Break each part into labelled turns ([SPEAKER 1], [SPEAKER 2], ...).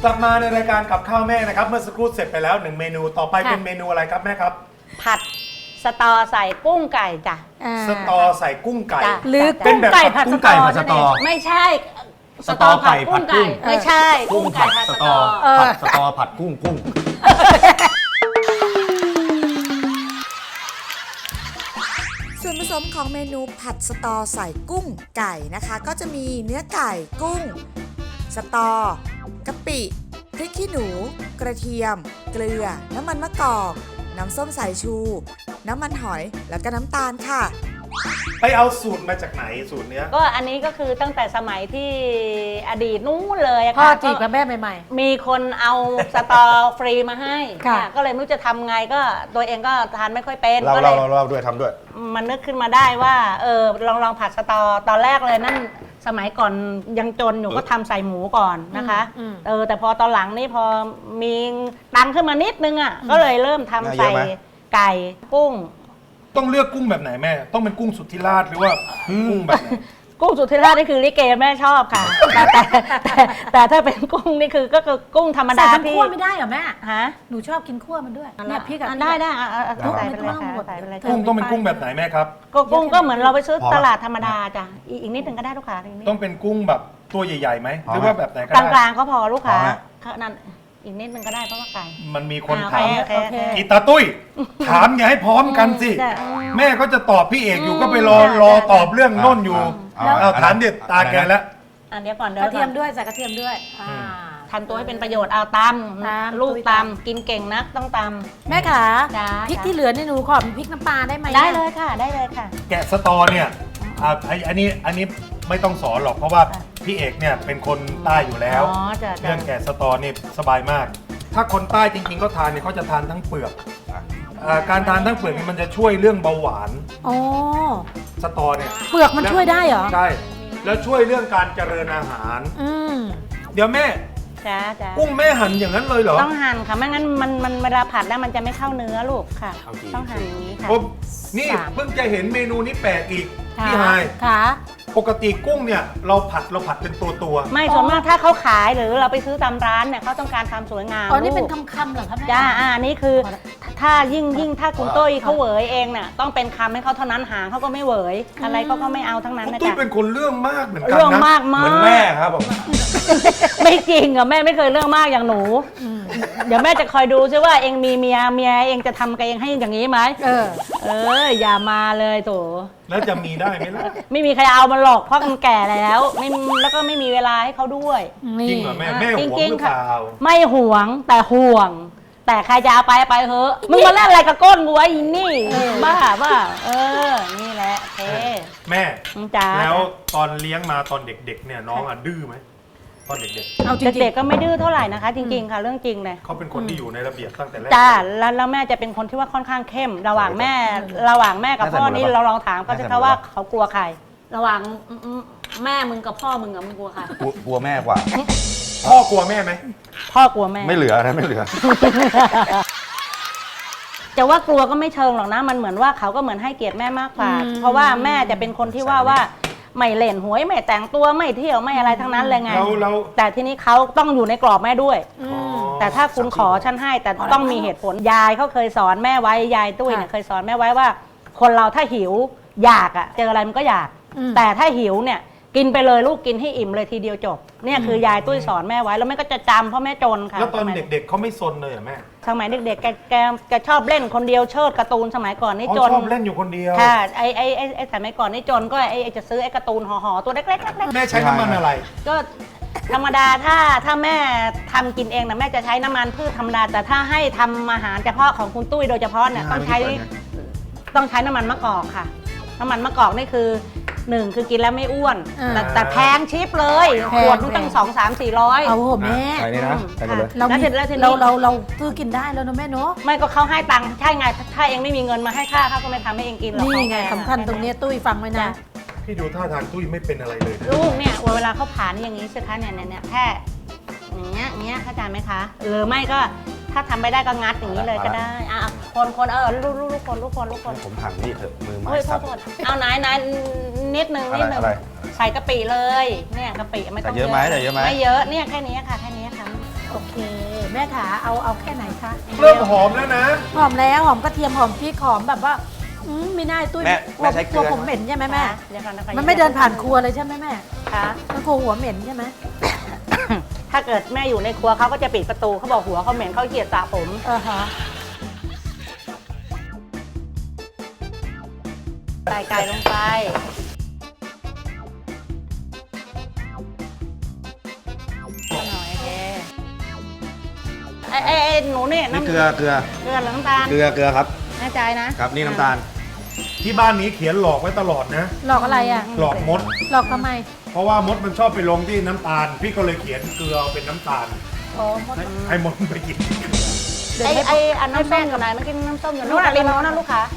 [SPEAKER 1] กลับมาในรายการกับข้าวแม่นะครับเมื่อสักครู่เสร็จไปแล้ว1เมนูต่อไปเป็นเมนูอะไรครับแม่ครับ
[SPEAKER 2] ผัดสตอใส่กุ้งไก่จ้ะ
[SPEAKER 1] สตอใส่กุ้งไก่
[SPEAKER 3] หรือ
[SPEAKER 1] เป็นแบบผัดกุ้งไก่ผัดสตอ
[SPEAKER 2] ไม่ใช่
[SPEAKER 1] สตอไก่ผัดกุ้ง
[SPEAKER 2] ไม่ใช่กุ้งไก่ผัดสตอ
[SPEAKER 1] ผัดสตอผัดกุ้ง
[SPEAKER 4] ส่วนผสมของเมนูผัดสตอใส่กุ้งไก่นะคะ ก็จะมีเนื้อไก่กุ้งสตอกะปิพริกขี้หนูกระเทียมเกลือน้ำมันมะกอกน้ำส้มสายชูน้ำมันหอยแล้วก็น้ำตาลค่ะ
[SPEAKER 1] ไปเอาสูตรมาจากไหนสูตรเนี้ย
[SPEAKER 2] ก็อันนี้ก็คือตั้งแต่สมัยที่อดีตนู้นเลย
[SPEAKER 3] พ่อ
[SPEAKER 2] ค่ะ
[SPEAKER 3] จีบกับแม่ใหม่
[SPEAKER 2] มีคนเอาสตอฟรีมาให้
[SPEAKER 3] ค่ะ
[SPEAKER 2] ก็เลยไม่รู้จะทำไงก็ตัวเองก็ทานไม่ค่อยเป็น
[SPEAKER 1] เรา
[SPEAKER 2] ก็เลย
[SPEAKER 1] ด้วยทำด้วย
[SPEAKER 2] มันนึกขึ้นมาได้ว่าลองผัดสตอตอนแรกเลยนั่นสมัยก่อนยังจนอยู่ก็ทำใส่หมูก่อนนะคะแต่พอตอนหลังนี่พอมีตังค์ขึ้นมานิดนึงอ่ะก็เลยเริ่มทำใส่ไก่กุ้ง
[SPEAKER 1] ต้องเลือกกุ้งแบบไหนแม่ต้องเป็นกุ้งสุทธิราชหรือว่ากุ้งแบบไหน
[SPEAKER 2] กุ้งสุทธิราชนี่คือลิเกแม่ชอบค่ะแต่ถ้าเป็นกุ้งนี่คือก็คือกุ้งธรรมดาพี่
[SPEAKER 3] คั่วไม่ได้เหรอแม่
[SPEAKER 2] ฮะ
[SPEAKER 3] หนูชอบกินคั่วมันด้วยเนี่ยพี่กับ
[SPEAKER 2] ได้
[SPEAKER 3] ใส่
[SPEAKER 2] ไปเลยค่ะใส่ไปเลย
[SPEAKER 1] กุ้งต้องเป็นกุ้งแบบไหนแม่ครับ
[SPEAKER 2] กุ้งก็เหมือนเราไปซื้อตลาดธรรมดาจ้ะอีกนิดนึงก็ได้ลูกค้า
[SPEAKER 1] ต้องเป็นกุ้งแบบตัวใหญ่ๆไหมหรือว่าแบบไหนก็
[SPEAKER 2] ได้กลางๆก็พอลูกค้านั่นอีกนิดนึงก็ได้เพราะว่าไก่
[SPEAKER 1] มันมีคนถามอีตาตุ้ยถามอย่าให้พร้อมกันสิแม่ก็จะตอบพี่เอกอยู่ก็ไปรอตอบเรื่องโน่นอยู่ถามเด็ดตาแกแล้ว
[SPEAKER 2] เดี๋ยวก่อน
[SPEAKER 3] กระเทียมด้วยใส่กระเทียมด้วย
[SPEAKER 2] ทำตัวให้เป็นประโยชน์เอาตำลูกตำกินเก่งนักต้องตำ
[SPEAKER 3] แม่ขาพริกที่เหลือนี่หนูขอพริกน้ำปลาได้ไหม
[SPEAKER 2] ได้เลยค่ะได้เลยค่ะ
[SPEAKER 1] แกะสตอเนี่ยอันนี้ไม่ต้องสอนหรอกเพราะว่าพี่เอกเนี่ยเป็นคนใต้อยู่แล้วเรื่องแกะสตอนี่สบายมากถ้าคนใต้จริงๆก็ทานเนี่ยเขาจะทานทั้งเปลือกการทานทั้งเปลือกนี่มันจะช่วยเรื่องเบาหวานสตอเนี่ย
[SPEAKER 3] เปลือกมันช่วยได้เหรอ
[SPEAKER 1] ใช่แล้วช่วยเรื่องการเจริญอาหารเดี๋ยวแม่กุ้งแม่หั่นอย่างนั้นเลยเหรอ
[SPEAKER 2] ต้องหั่นค่ะไม่งั้นมันเวลาผัดแล้วมันจะไม่เข้าเนื้อลูกค่ะต้องหั่นอย่างนี้ค่ะ
[SPEAKER 1] นี่เพิ่งจะเห็นเมนูนี้แปลกอีกพี่ไฮ
[SPEAKER 3] ค่ะ
[SPEAKER 1] ปกติกุ้งเนี่ยเราผัดเป็นตัว
[SPEAKER 2] ไม่ส่วนมากถ้าเขาขายหรือเราไปซื้อตามร้านเนี่ยเขาต้องการความสวยงาม
[SPEAKER 3] อ๋อนี่เป็นคำเหรอครับ
[SPEAKER 2] จ้านี่คือถ้ายิ่งถ้าคุณตุ้ยเขาเหวยเองน่ะต้องเป็นคำให้เขาเท่านั้นหางเขาก็ไม่เหวยอะไรเขาก็ไม่เอาทั้งนั้นนะจ๊ะ
[SPEAKER 1] ตุ้ยเป็นคนเรื่องมากเหมือนกันนะ
[SPEAKER 2] เรื่องมาก
[SPEAKER 1] เหมือนแม่ครับผม
[SPEAKER 2] ไม่จริงแม่ไม่เคยเรื่องมากอย่างหนูเดี๋ยวแม่จะคอยดูซิว่าเองมีเมียเองจะทำกับเองให้อย่างนี้ไหมอย่ามาเลยโถ
[SPEAKER 1] แล้วจะมีได้ไหมล่ะ
[SPEAKER 2] ไม่มีใครเอามันหรอกเพราะมันแก่แล้วแล้วก็ไม่มีเวลาให้เขาด้วย
[SPEAKER 1] จริงเหรอแม่ห่วงหรือเปล่า
[SPEAKER 2] ไม่ห่วงแต่ห่วงแต่ใครจะเอาไปเถอะมึงมาเล่นอะไรกับก้นกูไอ้นี่บ้านี่แหละ
[SPEAKER 1] แม่แล้วตอนเลี้ยงมาตอนเด็กๆเนี่ยน้องดื้อไหมตอนเด็กๆ
[SPEAKER 2] เอาเด็กๆก็ไม่ดื้อเท่าไหร่นะคะจริงๆค่ะเรื่องจริงเลย
[SPEAKER 1] เขาเป็นคนที่อยู่ในระเบียบตั้งแต่แรก
[SPEAKER 2] จ้าแล้วแม่จะเป็นคนที่ว่าค่อนข้างเข้มระหว่างแม่กับพ่อนี่เราลองถามเขาจะเขาว่าเขากลัวใครระหว่างแม่มึงกับพ่อมึงมึงกลัวใคร
[SPEAKER 5] กลัวแม่กว่า
[SPEAKER 1] พ่อกลัวแม่ไหม
[SPEAKER 2] พ่อกลัวแม่
[SPEAKER 5] ไม่เหลือนะไม่เหลือ
[SPEAKER 2] จะว่ากลัวก็ไม่เชิงหรอกนะมันเหมือนว่าเขาก็เหมือนให้เกียรติแม่มากกว่าเพราะว่าแม่จะเป็นคนที่ว่าไม่เล่นหวยไม่แต่งตัวไม่เที่ยวไม่อะไรทั้งนั้นเลยไงแต่ทีนี้เขาต้องอยู่ในกรอบแม่ด้วยแต่ถ้าคุณขอฉันให้แต่ต้องมีเหตุผลยายเขาเคยสอนแม่ไว้ยายตุ้ยเนี่ยเคยสอนแม่ไว้ว่าคนเราถ้าหิวอยากเจออะไรมันก็อยากแต่ถ้าหิวเนี่ยกินไปเลยลูกกินให้อิ่มเลยทีเดียวจบเนี่ยคือยายตุ้ยสอนแม่ไว้แล้วแม่ก็จะจำเพราะแม่จนค่ะ
[SPEAKER 1] แล้วตอนเด็กๆเขาไม่ซนเลยแม่
[SPEAKER 2] สมัยเด็กๆแกชอบเล่นคนเดียวเชิดการ์ตูนสมัยก่อนนี่จน
[SPEAKER 1] ชอบเล่นอยู่คนเดียว
[SPEAKER 2] ค่ะไอ้สมัยก่อนนี่จนก็ไอ้จะซื้อไอ้การ์ตูนห่อตัวเล็กๆ
[SPEAKER 1] แม่ใช้น้ำมันอะไร
[SPEAKER 2] ก็ธรรมดาถ้าแม่ทำกินเองนะแม่จะใช้น้ำมันพืชธรรมดาแต่ถ้าให้ทำอาหารเฉพาะของคุณตุ้ยโดยเฉพาะเนี่ยต้องใช้น้ำมันมะกอกค่ะน้ำมันมะกอกนี่คือ1คือกินแล้วไม่อ้วนแต่แพงชิปเลยขวดมันตั้ง200-300-400
[SPEAKER 3] เอาแม่
[SPEAKER 5] ใส่นี่นะใส่กันเลย
[SPEAKER 3] เราซื้อกินได้แล้วนะแม่เนาะ
[SPEAKER 2] ไม่ก็เขาให้ตังค์ใช่ไงถ้าเองไม่มีเงินมาให้ค่าเขาก็ไม่ทำให้เองกินหรอก
[SPEAKER 3] นี่ไงสำคัญตรงนี้ตุ้ยฟังไว้นะ
[SPEAKER 1] พี่ดูท่าทางตุ้ยไม่เป็นอะไรเลย
[SPEAKER 2] ลูกเนี่ยเวลาเขาผ่านอย่างนี้สิคะเนี่ยแค่อย่างเงี้ยเข้าใจไหมคะหรือไม่ก็ถ้าทำไม่ได้ก็งัดอย่างนี้เลยก็ได้คนลูกคน
[SPEAKER 5] ผมหั่นนี่เถอะมือไม้
[SPEAKER 2] สับเอาไหนนิดนึงใส่กะปิเลยเนี่ยกะปิไม่ต้อง
[SPEAKER 5] เยอะไหม
[SPEAKER 2] ไม่เยอะเนี่ยแค่นี้ค่ะ
[SPEAKER 3] โอเค แม่ขาเอาแค่ไหนคะ
[SPEAKER 1] เริ่มหอมแล้วนะ
[SPEAKER 3] หอมแล้วหอมกระเทียมหอมพริกหอมแบบว่าไม่น่าตุ้ย
[SPEAKER 5] แม่ใช้เกลือ
[SPEAKER 3] ผมเหม็นใช่ไหมแม่
[SPEAKER 2] เดี๋ยวก่อนนะคะ
[SPEAKER 3] มันไม่เดินผ่านครัวเลยใช่ไหมแม่
[SPEAKER 2] ค่ะ
[SPEAKER 3] มันครัวหัวเหม็นใช่ไหม
[SPEAKER 2] ถ้าเกิดแม่อยู่ในครัวเขาก็จะปิดประตูเขาบอกหัวเขาเหม็นเขาเกลียดสระผม
[SPEAKER 3] ฮะ
[SPEAKER 2] ใส่ไก่ลงไปหน่อยโอเคไอ้หนูเนี่ย
[SPEAKER 5] นี่
[SPEAKER 2] น้ำ
[SPEAKER 5] เกลือ
[SPEAKER 2] เกลือหรือน้ำตาล
[SPEAKER 5] เกลือครับ
[SPEAKER 2] แน่ใจนะครับ
[SPEAKER 5] นี่น้ำตาล
[SPEAKER 1] ที่บ้านนี้เขียนหลอกไว้ตลอดนะ
[SPEAKER 3] หลอกอะไรอ่ะ
[SPEAKER 1] หลอกมด
[SPEAKER 3] หลอกทำไม
[SPEAKER 1] เพราะว่ามดมันชอบไปลงที่น้ำตาล พี่ก็เลยเขียนเกลือเป็นน้ำตาล
[SPEAKER 3] โอ้มด
[SPEAKER 1] ให้มดไปกิน
[SPEAKER 2] ไอ้อันน้ำส้มอยู่ไหนเมื่อกี้น้ำส้มอยู่นู่นริมโน้นนะลูกค้าย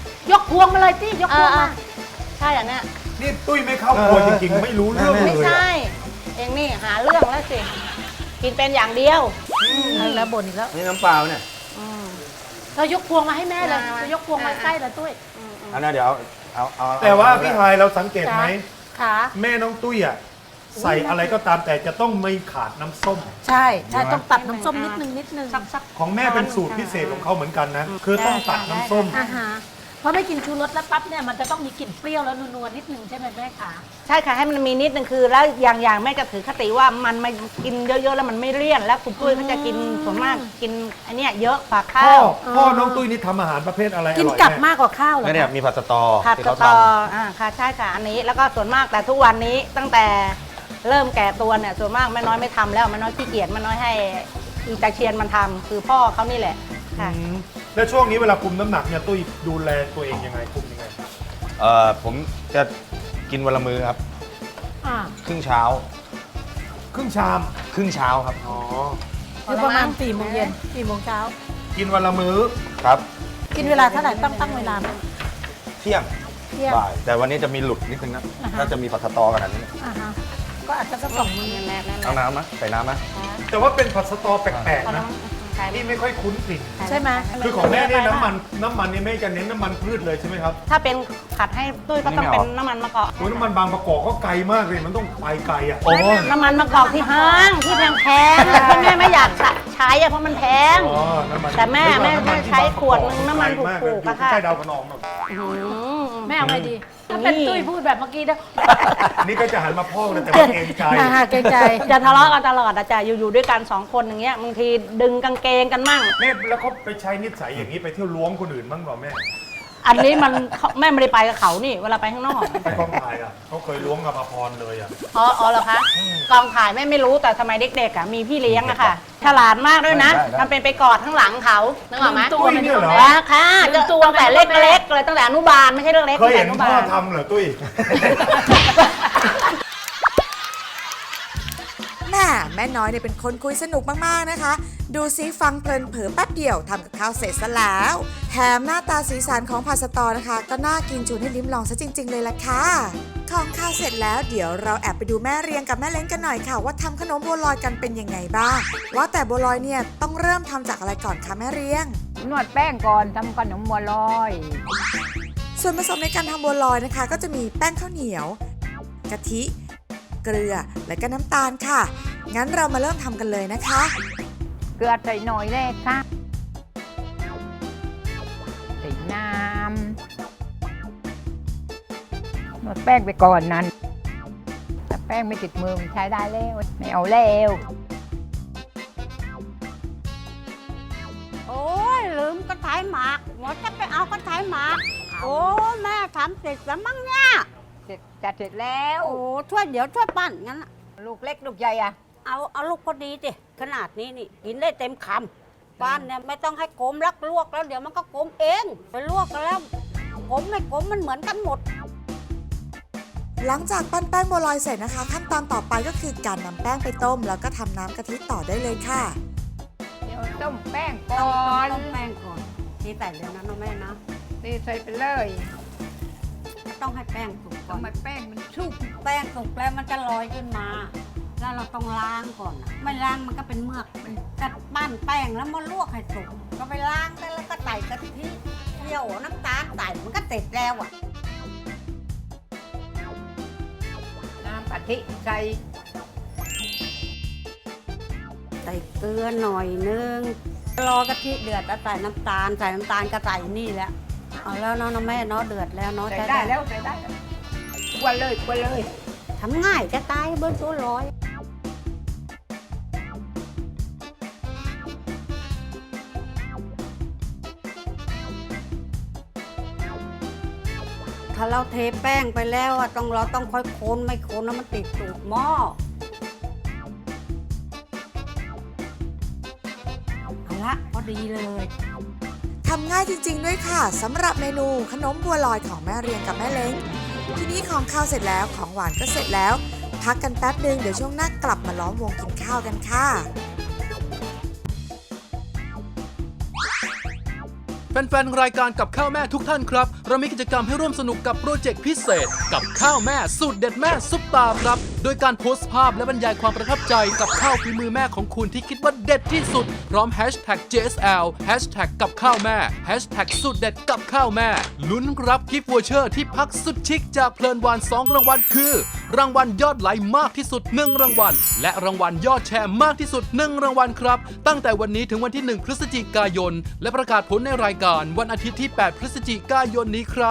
[SPEAKER 3] กพวงมาเลยสิยกพวงมา
[SPEAKER 2] ใช่อันเนี้ย
[SPEAKER 1] นี่ตุ้ยไม่เข้าครัวจริงๆ ไม่รู้เรื่องเล
[SPEAKER 2] ไม่
[SPEAKER 1] ย
[SPEAKER 2] ใช่
[SPEAKER 1] อะ
[SPEAKER 2] เองนี่หาเรื่องแล้วสิ กินเป็นอย่างเดียว
[SPEAKER 3] แล้วบ่นอีกแล้ว
[SPEAKER 5] นี่น้ำเปล่าเนี่ย
[SPEAKER 3] เรายกพวงมาให้แม่เลย
[SPEAKER 2] มา
[SPEAKER 3] จะยกพวงมาใกล้ละตุ้ย
[SPEAKER 5] อันนั้นเดี๋ยวเอา
[SPEAKER 1] แต่ว่าพี่ไฮายเราสังเกตไหม
[SPEAKER 3] ขา
[SPEAKER 1] แม่น้องตุ้ยอ่ะใส่อะไรก็ตามแต่จะต้องไม่ขาดน้ำส้ม
[SPEAKER 3] ใช่ต้องตัดน้ำส้มนิดนึง
[SPEAKER 2] สัก
[SPEAKER 1] ของแม่เป็นสูตรพิเศษของเขาเหมือนกันนะ คือต้องตัดน้ำส้ม
[SPEAKER 3] อ่าฮะเพราะไม่กินชูรสแล้วปั๊บเนี่ยมันจะต้องมีกลิ่นเปรี้ยวแล้วนัวๆนิดนึงใช่ไหมแม่ขา
[SPEAKER 2] ใช่ค่ะให้มันมีนิดนึงคือ แล้วอย่างแม่จะถือคติว่ามันไม่กินเยอะๆแล้วมันไม่เลี่ยนแล้วคุณตุ้ยเขาจะกินส่วนมากกินอันเนี้ยเยอะกว่าข้า
[SPEAKER 1] พ่อน้องตุ้ยนี่ทำอาหารประเภทอะไรอร่อย
[SPEAKER 3] กิน
[SPEAKER 1] แม่
[SPEAKER 3] กับมากกว่าข้าวเหรอ
[SPEAKER 5] แล้วเนี่ยมีผัดสตอ
[SPEAKER 2] ผัด
[SPEAKER 5] ที่
[SPEAKER 2] ส
[SPEAKER 5] เขา
[SPEAKER 2] ต
[SPEAKER 5] ท
[SPEAKER 2] อค่ะใช่ค่ะอันนี้แล้วก็ส่วนมากแต่ทุกวันนี้ตั้งแต่เริ่มแก่ตัวเนี่ยส่วนมากแม่น้อยไม่ทำแล้วแม่น้อยขี้เกียจแม่น้อยให้อีตาเชียนมันทำคือพ่อเขานี่แหละค่ะ
[SPEAKER 1] อืมแล้วช่วงนี้เวลาคุมน้ำหนักเนี่ยตุ้ยดูแลตัวเองยังไงคุมยังไง
[SPEAKER 5] ำผมจะกินวันละมื้อครับ
[SPEAKER 3] อ่า
[SPEAKER 5] ครึ่งเช้า
[SPEAKER 1] ครึ่งชาม
[SPEAKER 5] ครึ่งเช้าครับ
[SPEAKER 1] อ๋อ
[SPEAKER 3] คือประมาณ4 โมงเย็น4 โมงเช้า
[SPEAKER 1] กินวันละมื้อ
[SPEAKER 5] ครับ
[SPEAKER 3] กินเวลาเท่าไหร่ตั้งเวลาไหม
[SPEAKER 5] เที่ยง
[SPEAKER 3] เที่ยง
[SPEAKER 5] บ่ายแต่วันนี้จะมีหลุดนิดนึงนะ
[SPEAKER 3] อ่าฮะ
[SPEAKER 5] ถ้าจะมีผัดสตอขนาดนี้
[SPEAKER 3] อ่าฮะก็อาจจะสัก2 มื้อ
[SPEAKER 2] แน่ๆ
[SPEAKER 5] เอาน้ำไหมใส่น้ำไหม
[SPEAKER 1] แต่ว่าเป็นผัดสตอแปลกๆนะ
[SPEAKER 2] ใช่
[SPEAKER 1] ที่ไม่ค่อยคุ้นกลิ่น
[SPEAKER 3] ใช่ไหม
[SPEAKER 1] คือของแม่เนี่ยน้ำมันนี่แม่จะเน้นน้ำมันพืชเลยใช่ไหมครับ
[SPEAKER 2] ถ้าเป็นผัดให้ตุ้ยก็ต้องเป็นน้ำมันมะกอก
[SPEAKER 1] โอ้ยน้ำมันบางประกอบก็ไกลมากเลยมันต้องไปไกลอ่ะ
[SPEAKER 5] โอ้ย
[SPEAKER 2] น้ำมันมะกอกที่ห้างที่แพงๆที่แม่ไม่อยากใช้อะเพราะมันแพง
[SPEAKER 1] อ๋อน้ำมัน
[SPEAKER 2] แต่แม่
[SPEAKER 1] น้ำนที่
[SPEAKER 2] ใช้
[SPEAKER 1] บางประกอบ
[SPEAKER 2] ขวดนึงน้ำมันถูกๆ
[SPEAKER 1] ไกลมา
[SPEAKER 2] อะค่ะ
[SPEAKER 1] ใช่ดาวพนองหรอก
[SPEAKER 3] แม่เอาไงดีถ้าเป็นตุ้ยพูดแบบเมื่อกี้นะ
[SPEAKER 1] นี่ก็จะหันมาพ่อกนะแต่ว่าเกรงใจ
[SPEAKER 3] เกรงใจ
[SPEAKER 2] จะทะเลาะกันตลอดอะจ้ะอยู่ด้วยกัน2 คนอย่างเงี้ยบางทีดึงกางเกงกันมั่ง
[SPEAKER 1] แม่แล้วเขาไปใช้นิสัยอย่างนี้ไปเที่ยวล้วงคนอื่นบ้างเปล่าแม่
[SPEAKER 2] อันนี้มันแม่ไม่ได้ไปกับเขานี่เวลาไปข้างนอก
[SPEAKER 1] ไปกองถ่ายอ่ะเขาเคยล้วงกับอภรเลยอ่ะ
[SPEAKER 2] อ๋อเหรอคะกองถ่ายแม่ไม่รู้แต่สมัยเด็กๆอะมีพี่เลี้ยงอะค่ะ ฉลาดมากด้วยนะทำเป็นไปกอดข้างหลังเขานึกออกไหม
[SPEAKER 3] ตัวมัน
[SPEAKER 1] เนี่ยเหรอ
[SPEAKER 2] ค่ะก็ตั้งแต่เล็กๆเลยตั้งแต่อนุบาลไม่ใช่เรื่องเล็ก
[SPEAKER 1] เคยเห็น
[SPEAKER 2] ตั้งแต่
[SPEAKER 1] พ่อ
[SPEAKER 2] อนุบาล
[SPEAKER 1] ทำเหรอตุ้ย
[SPEAKER 4] แม่น้อยเนี่ยเป็นคนคุยสนุกมากๆนะคะ ดูซิฟังเพลินเผลอแป๊บเดียวทำกับข้าวเสร็จซะแล้ว แถมหน้าตาสีสันของผัดสตอนะคะ ก็น่ากินชวนให้ลิ้มลองซะจริง ๆ เลยล่ะค่ะ ของข้าวเสร็จแล้วเดี๋ยวเราแอบไปดูแม่เรียงกับแม่เล้งกันหน่อยค่ะ ว่าทำขนมบัวลอยกันเป็นยังไงบ้าง ว่าแต่บัวลอยเนี่ยต้องเริ่มทำจากอะไรก่อนคะแม่เรียง
[SPEAKER 6] นวดแป้งก่อนทำขนมบัวลอย
[SPEAKER 4] ส่วนผสมในการทำบัวลอยนะคะ ก็จะมีแป้งข้าวเหนียวกะทิเกลือและก็น้ำตาลค่ะ งั้นเรามาเริ่มทำกันเลยนะคะ
[SPEAKER 6] เกลือใส่หน่อยแรกค่ะใส่น้ำนวดแป้งไปก่อนนั้นถ้าแป้งไม่ติดมือมันใช้ได้แล้วไม่เอาแล้ว
[SPEAKER 7] โอ้ยลืมกระถายหมากหมอจะไปเอากระถายหมาก โอ้แม่ทำเสร็จแล้วมั้งเนี่ย
[SPEAKER 6] จัดเสร็จแล้ว
[SPEAKER 7] โอ้ช่วยเดี๋ยวช่วยปั้นงั้นน่ะ
[SPEAKER 6] ลูกเล็กลูกใหญ่อะ
[SPEAKER 7] เอาลูกพอดีสิขนาดนี้นี่กินได้เต็มคำปั้นเนี่ยไม่ต้องให้กลมลักลวกแล้วเดี๋ยวมันก็กลมเองไปลวกแล้วกลมไม่กลมมันเหมือนกันหมด
[SPEAKER 4] หลังจากปั้นแป้งบัวลอยเสร็จนะคะ ขั้นตอนต่อไปก็คือการนำแป้งไปต้ม แล้วก็ทำน้ำกะทิต่อได้เลยค่ะ
[SPEAKER 6] เดี๋ยวต้มแป้งก่อน
[SPEAKER 7] ต้มแป้งก่อนที่ใส่เลยนะน้องแม่นะ
[SPEAKER 6] นี่ใส่ไปเลย
[SPEAKER 7] ต้องให้แป้งสุกก่อน
[SPEAKER 6] ทำไมแป้งมันชุบ
[SPEAKER 7] แป้งสุกแล้วมันจะลอยขึ้นมา แล้วเราต้องล้างก่อนนะไม่ล้างมันก็เป็นเมือกกัดปั้นแป้งแล้วมาลวกให้สุกก็ไปล้างได้แล้วก็ใส่กะทิเคี่ยวน้ำตาลใส่มันก็เสร็จแล้วอ่ะ
[SPEAKER 6] น้ำกะทิใส่
[SPEAKER 7] ใส่เกลือหน่อยนึงรอกะทิเดือดแล้วใส่น้ำตาลก็ใส่นี่แหละเอาแล้วเนาะแม่เนาะเดือดแล้วเนาะ
[SPEAKER 6] ใส่ได้แล้วใส่ได้แล้วกวนเลยกวนเลย
[SPEAKER 7] ทำง่ายจะตายเบิ้ลตัวร้อยถ้าเราเทแป้งไปแล้วอะเราต้องค่อยคนไม่คนแล้วมันติดตูดหม้อเอาละพอดีเลย
[SPEAKER 4] ทำง่ายจริงๆด้วยค่ะสำหรับเมนูขนมบัวลอยของแม่เรียงกับแม่เล้งทีนี้ของข้าวเสร็จแล้วของหวานก็เสร็จแล้ว พักกันแป๊บนึงเดี๋ยวช่วงหน้ากลับมาล้อมวงกินข้าวกันค่ะ
[SPEAKER 8] แฟนๆ รายการกับข้าวแม่ทุกท่านครับ เรามีกิจกรรมให้ร่วมสนุกกับโปรเจกต์พิเศษกับข้าวแม่สูตรเด็ดแม่ซุปตาครับ โดยการโพสต์ภาพและบรรยายความประทับใจกับข้าวฝีมือแม่ของคุณที่คิดว่าเด็ดที่สุด พร้อมแฮชแท็ก JSL แฮชแท็กกับข้าวแม่แฮชแท็กสูตรเด็ดกับข้าวแม่ลุ้นรับกิฟต์วอเชอร์ที่พักสุดชิคจากเพลินวาน2รางวัลคือ รางวัลยอดไลค์มากที่สุด1รางวัลและรางวัลยอดแชร์มากที่สุด1รางวัลครับตั้งแต่วันนี้ถึงวันที่1พฤศจิกายนและประกาศผลในรายการวันอาทิตย์ที่8พฤศจิกายนนี้ครับ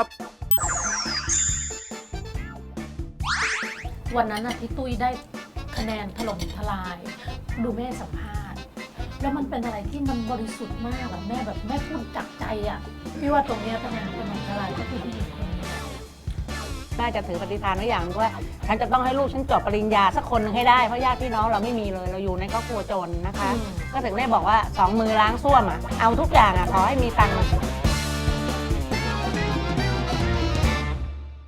[SPEAKER 3] วันนั้นน่ะที่ตุ้ยได้คะแนนถล่มทลาย ดูแม่สัมภาษณ์แล้วมันเป็นอะไรที่มันบริสุทธิ์มากอะแม่แบบแม่พูดจากใจอะพี่ว่าตรงเนี้ยคะแนนถล่มทลายก็คือผู้หญิงคนนี้
[SPEAKER 2] แม่จะถือปฏิฐานไว้อย่างหนึ่งว่าฉันจะต้องให้ลูกฉันจบปริญญาสักคนหนึงให้ได้เพราะญาติพี่น้องเราไม่มีเลยเราอยู่ในครอบครัวจนนะคะ ก็ถึงได้บอกว่า2 มือล้างส้วมอ่ะเอาทุกอย่างอ่ะขอให้มีตังค์